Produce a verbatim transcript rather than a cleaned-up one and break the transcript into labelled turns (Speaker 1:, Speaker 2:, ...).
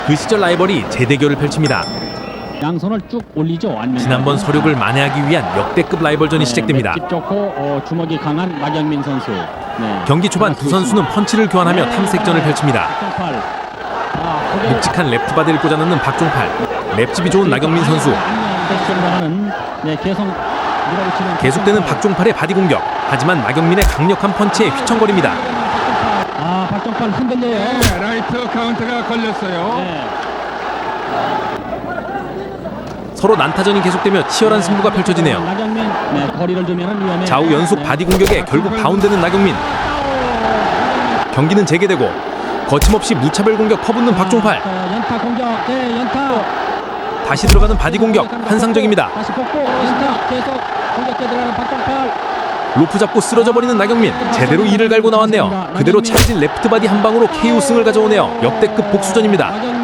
Speaker 1: 그 시절 라이벌이 재대결을 펼칩니다.
Speaker 2: 양손을 쭉 올리죠.
Speaker 1: 지난번 서륙을 만회하기 위한 역대급 라이벌전이
Speaker 2: 네,
Speaker 1: 시작됩니다.
Speaker 2: 맷집 좋고 어, 주먹이 강한 나경민 선수. 네.
Speaker 1: 경기 초반 두 선수는 펀치를 교환하며 탐색전을 펼칩니다.
Speaker 2: 박종팔. 아, 고개-
Speaker 1: 묵직한 레프트 바디를 꽂아넣는 박종팔, 랩집이 좋은 나경민 선수.
Speaker 2: 안면 네, 계속 밀어붙이는
Speaker 1: 계속되는
Speaker 2: 박종팔.
Speaker 1: 박종팔의 바디 공격. 하지만 나경민의 강력한 펀치에 휘청거립니다.
Speaker 2: 아, 박종팔 흔들려요.
Speaker 3: 네, 라이트 카운트가 걸렸어요.
Speaker 2: 네.
Speaker 1: 서로 난타전이 계속되며 치열한 승부가 펼쳐지네요.
Speaker 2: 나경민 네, 거리를 두면 위험해.
Speaker 1: 좌우 연속
Speaker 2: 네.
Speaker 1: 바디 공격에 결국 다운되는 나경민. 경기는 재개되고 거침없이 무차별 공격 퍼붓는 박종팔.
Speaker 2: 자, 연타 공격. 네, 연타.
Speaker 1: 다시 들어가는 바디 공격 환상적입니다.
Speaker 2: 다시 복구. 연타 계속 공격에 들어가는 박종팔.
Speaker 1: 로프 잡고 쓰러져 버리는 나경민. 제대로 이를 갈고 나왔네요. 그대로 차려진 레프트 바디 한 방으로 케이오 승을 가져오네요. 역대급 복수전입니다.